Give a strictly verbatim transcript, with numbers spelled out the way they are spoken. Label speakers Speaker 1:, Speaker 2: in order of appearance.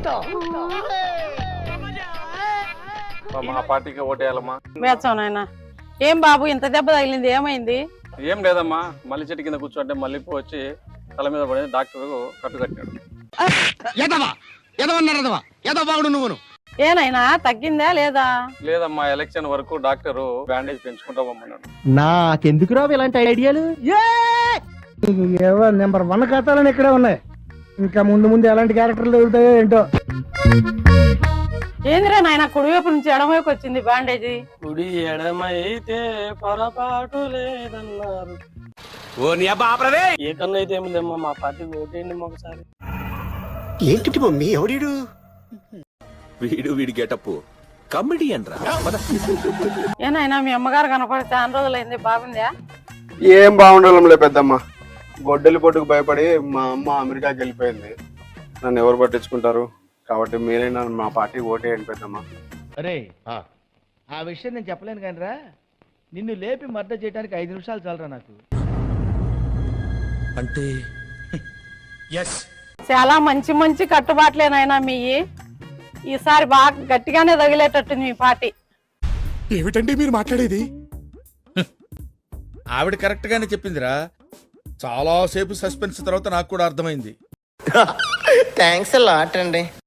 Speaker 1: మా పార్టీకి ఓటేయాలమ్మా.
Speaker 2: వేస్తాం నాయన. ఏం బాబు ఇంత దెబ్బ తగిలింది, ఏమైంది?
Speaker 1: ఏం లేదమ్మా, మల్లి చెట్టు కింద కూర్చోంటే మల్లెపూ వచ్చి తల మీద పడి డాక్టర్ కట్టుకట్టాడు.
Speaker 2: ఏనైనా తగ్గిందా లేదా?
Speaker 1: లేదమ్మా, ఎలక్షన్ వరకు డాక్టర్ బ్యాండేజ్ పెంచుకుంటామన్నాడు.
Speaker 3: నాకెందుకు రావు ఇలాంటి ఐడియాలు?
Speaker 4: నెంబర్ వన్ ఖాతాలని ఇక్కడే ఉన్నాయి. ఇంకా ముందు ముందు ఎలాంటి క్యారెక్టర్లు దొరుకుతాయో ఏంటో.
Speaker 2: ఏందిరా నాయన, కుడివైపు నుంచి ఎడమవైపు వచ్చింది బ్యాండేజీ.
Speaker 5: కుడి ఎడమైతే పొరపాటు లేదన్నారు. ఏ కన్నా అయితే ఏమి లేమ్మా, మా పార్టీకి ఓటేయండి ఒకసారి.
Speaker 6: ఏంటి మమ్మీ ఎవడీడు?
Speaker 7: వీడు వీడి గెటప్ కమెడియన్ రా.
Speaker 2: ఏనాయనా మీ అమ్మగారు కనపడి చాలా రోజులైంది, బాగుందా?
Speaker 8: ఏం బాగుండాలంలే పెద్దమ్మ. గొడ్డలి పొట్టుకు భయపడి మా అమ్మ అమెరికాకి వెళ్ళిపోయింది. నన్ను ఎవరు పట్టించుకుంటారు? కాబట్టి మీరే నన్ను మా పార్టీ ఓటేయండి పెద్దమ్మ.
Speaker 3: అరే ఆ విషయం నేను చెప్పలేను కానీ రా, నిన్ను లేపి మర్డర్ చేయడానికి ఐదు నిమిషాలు చాలరా నాకు.
Speaker 7: అంటే
Speaker 2: చాలా మంచి మంచి కట్టుబాట్లేనాయనా మీ. ఈసారి బాగా గట్టిగానే తగిలేటట్టుంది మీ పార్టీ.
Speaker 6: ఏమిటండి మీరు మాట్లాడేది?
Speaker 9: ఆవిడ కరెక్ట్ గానే చెప్పిందిరా. చాలా సేపు సస్పెన్స్ తర్వాత నాకు కూడా అర్థమైంది.
Speaker 6: థ్యాంక్స్ లాట్ అండి.